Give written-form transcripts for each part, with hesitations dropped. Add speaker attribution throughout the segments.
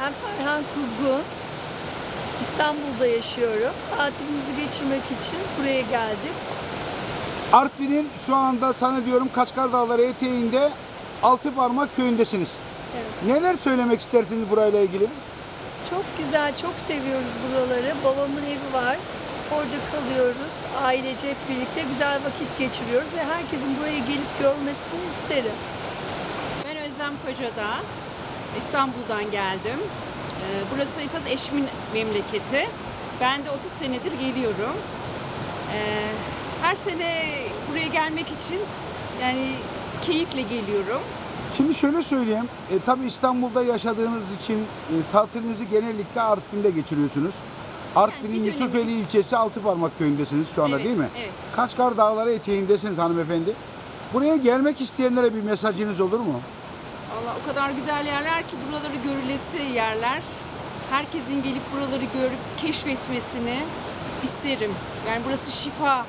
Speaker 1: Ben Ferhan Kuzgun. İstanbul'da yaşıyorum. Tatilimizi geçirmek için buraya geldik.
Speaker 2: Artvin'in şu anda zannediyorum Kaçkar Dağları eteğinde Altıparmak köyündesiniz.
Speaker 1: Evet.
Speaker 2: Neler söylemek istersiniz burayla ilgili?
Speaker 1: Çok güzel, çok seviyoruz buraları. Babamın evi var. Orada kalıyoruz. Ailece hep birlikte güzel vakit geçiriyoruz ve herkesin buraya gelip görmesini isterim.
Speaker 3: Ben Özlem Kocadağ, İstanbul'dan geldim. Burası esas eşimin memleketi. Ben de 30 senedir geliyorum. Her sene buraya gelmek için yani keyifle geliyorum.
Speaker 2: Şimdi şöyle söyleyeyim, tabii İstanbul'da yaşadığınız için tatilinizi genellikle Artvin'de geçiriyorsunuz. Artvin'in
Speaker 3: bir
Speaker 2: Yusufeli
Speaker 3: dönemi.
Speaker 2: ilçesi Altıparmak köyündesiniz şu anda,
Speaker 3: Evet,
Speaker 2: değil mi?
Speaker 3: evet.
Speaker 2: Kaçkar Dağları eteğindesiniz hanımefendi. Buraya gelmek isteyenlere bir mesajınız olur mu?
Speaker 3: Vallahi o kadar güzel yerler ki buraları görülesi yerler. Herkesin gelip buraları görüp keşfetmesini isterim. Yani burası şifa.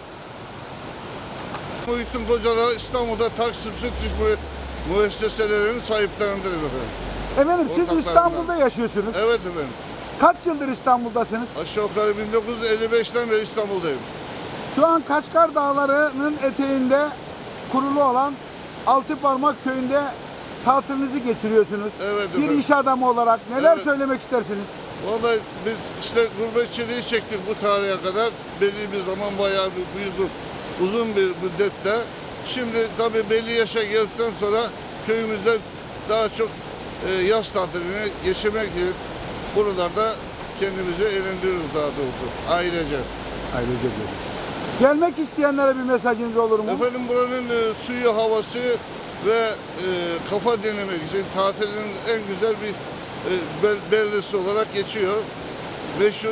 Speaker 4: Muhittin Kocadağ İstanbul'da Taksim Süt müesseselerinin sahiplerindedir efendim.
Speaker 2: Efendim siz
Speaker 4: Ortaklarından.
Speaker 2: İstanbul'da yaşıyorsunuz.
Speaker 4: Evet efendim.
Speaker 2: Kaç yıldır İstanbul'dasınız?
Speaker 4: Aşağı yukarı 1955'ten beri İstanbul'dayım.
Speaker 2: Şu an Kaçkar Dağları'nın eteğinde kurulu olan Altıparmak köyünde tatilinizi geçiriyorsunuz.
Speaker 4: Evet
Speaker 2: Bir
Speaker 4: efendim.
Speaker 2: iş adamı olarak neler
Speaker 4: Evet.
Speaker 2: söylemek istersiniz?
Speaker 4: Vallahi biz işte gurbetçiliği çektik bu tarihe kadar. Belli bir zaman bayağı uzun bir müddetle. Şimdi tabii belli yaşa geldikten sonra köyümüzde daha çok yaz tatilini geçirmek için buralarda kendimizi eğlendiriyoruz daha doğrusu ailece.
Speaker 2: Ailece diyorum. Gelmek isteyenlere bir mesajınız olur mu?
Speaker 4: Efendim buranın suyu, havası ve kafa dinlemek için tatilin en güzel bir beldesi olarak geçiyor. Meşhur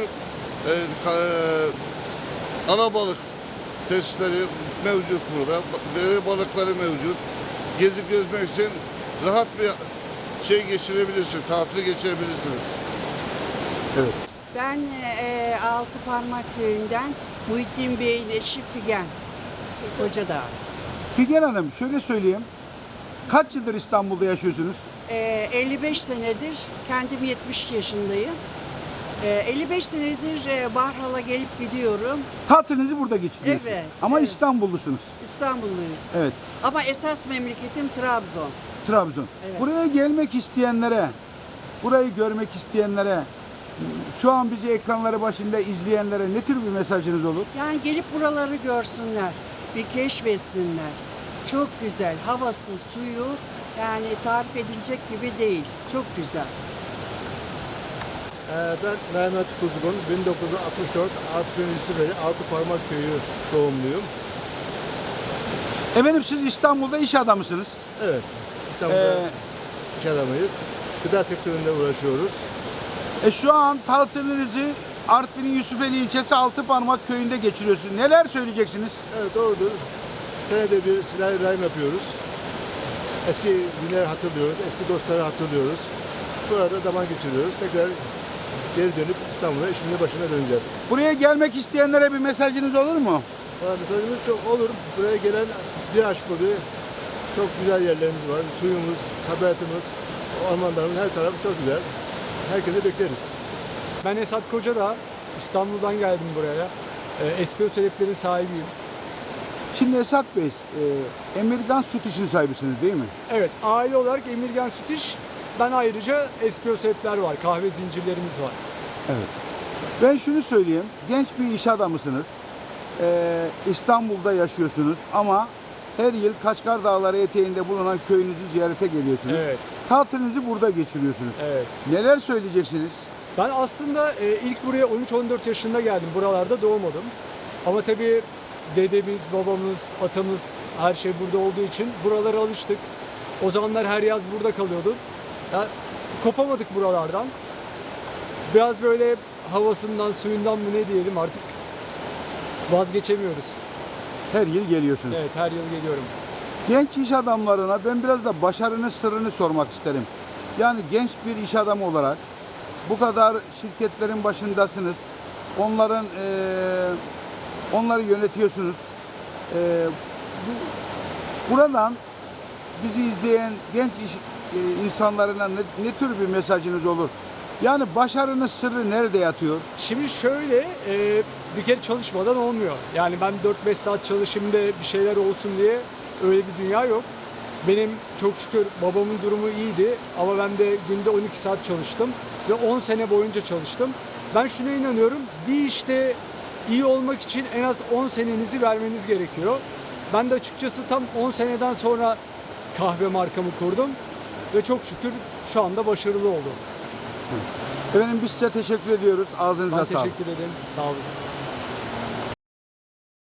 Speaker 4: alabalık tesisleri mevcut burada. Dere balıkları mevcut. Gezip gezmek için rahat bir şey geçirebilirsiniz, tatil geçirebilirsiniz.
Speaker 2: Evet.
Speaker 5: Ben Altıparmak köyünden Muhittin Bey'in eşi Figen Kocadağ.
Speaker 2: Figen Hanım şöyle söyleyeyim. Kaç yıldır İstanbul'da yaşıyorsunuz?
Speaker 5: 55 senedir, kendim 70 yaşındayım. 55 senedir Barhal'a gelip gidiyorum.
Speaker 2: Tatilinizi burada geçiriyorsunuz.
Speaker 5: Evet,
Speaker 2: Ama
Speaker 5: evet.
Speaker 2: İstanbulllusunuz.
Speaker 5: İstanbulluyuz.
Speaker 2: Evet.
Speaker 5: Ama esas memleketim Trabzon.
Speaker 2: Trabzon.
Speaker 5: Evet.
Speaker 2: Buraya gelmek isteyenlere, burayı görmek isteyenlere, şu an bizi ekranları başında izleyenlere ne tür bir mesajınız olur?
Speaker 5: Yani gelip buraları görsünler, bir keşfetsinler. Çok güzel, havası, suyu yani tarif edilecek gibi değil. Çok güzel.
Speaker 6: Ben Mehmet Kuzgun, 1964 Artvin Yusufeli Altıparmak Köyü doğumluyum.
Speaker 2: Efendim siz İstanbul'da iş adamısınız.
Speaker 6: Evet, İstanbul'da iş adamıyız. Gıda sektöründe uğraşıyoruz.
Speaker 2: Şu an tatilinizi Artvin'in Yusufeli ilçesi Altıparmak köyünde geçiriyorsunuz. Neler söyleyeceksiniz?
Speaker 6: Evet, doğrudur. Senede bir Silah-ı Rahim yapıyoruz. Eski günleri hatırlıyoruz, eski dostları hatırlıyoruz. Burada zaman geçiriyoruz. Tekrar geri dönüp İstanbul'a işimizin başına döneceğiz.
Speaker 2: Buraya gelmek isteyenlere bir mesajınız olur mu?
Speaker 6: Valla mesajımız çok olur. Buraya gelen bir aşk oluyor. Çok güzel yerlerimiz var. Suyumuz, tabiatımız, ormanlarımız, her tarafı çok güzel. Herkese bekleriz.
Speaker 7: Ben Esat Kocadağ, İstanbul'dan geldim buraya. Espresso Lab'lerin sahibiyim.
Speaker 2: Şimdi Esat Bey, Emirgan Süt İş'in sahibisiniz değil mi?
Speaker 7: Evet, aile olarak Emirgan Süt İş. Ben ayrıca Espresso Lab'ler var, kahve zincirlerimiz var.
Speaker 2: Evet. Ben şunu söyleyeyim, genç bir iş adamısınız. İstanbul'da yaşıyorsunuz ama her yıl Kaçkar Dağları eteğinde bulunan köyünüzü ziyarete geliyorsunuz.
Speaker 7: Evet,
Speaker 2: Tatilinizi burada geçiriyorsunuz.
Speaker 7: evet.
Speaker 2: Neler söyleyeceksiniz?
Speaker 7: Ben aslında ilk buraya 13-14 yaşında geldim. Buralarda doğmadım. Ama tabii dedemiz, babamız, atamız her şey burada olduğu için buralara alıştık. O zamanlar her yaz burada kalıyorduk. Ya, kopamadık buralardan. Biraz böyle havasından, suyundan mı ne diyelim artık vazgeçemiyoruz.
Speaker 2: Her yıl geliyorsunuz.
Speaker 7: Evet, her yıl geliyorum.
Speaker 2: Genç iş adamlarına ben biraz da başarının sırrını sormak isterim. Yani genç bir iş adamı olarak bu kadar şirketlerin başındasınız. Onları yönetiyorsunuz. Buradan bizi izleyen genç insanlarına ne tür bir mesajınız olur? Yani başarının sırrı nerede yatıyor?
Speaker 7: Şimdi şöyle, bir kere çalışmadan olmuyor. Yani ben 4-5 saat çalışayım da bir şeyler olsun diye öyle bir dünya yok. Benim çok şükür babamın durumu iyiydi ama ben de günde 12 saat çalıştım ve 10 sene boyunca çalıştım. Ben şuna inanıyorum, bir işte iyi olmak için en az 10 senenizi vermeniz gerekiyor. Ben de açıkçası tam 10 seneden sonra kahve markamı kurdum ve çok şükür şu anda başarılı oldum.
Speaker 2: Efendim biz size teşekkür ediyoruz. Ağzınıza
Speaker 7: Ben
Speaker 2: sağlık.
Speaker 7: teşekkür ederim. Sağ olun.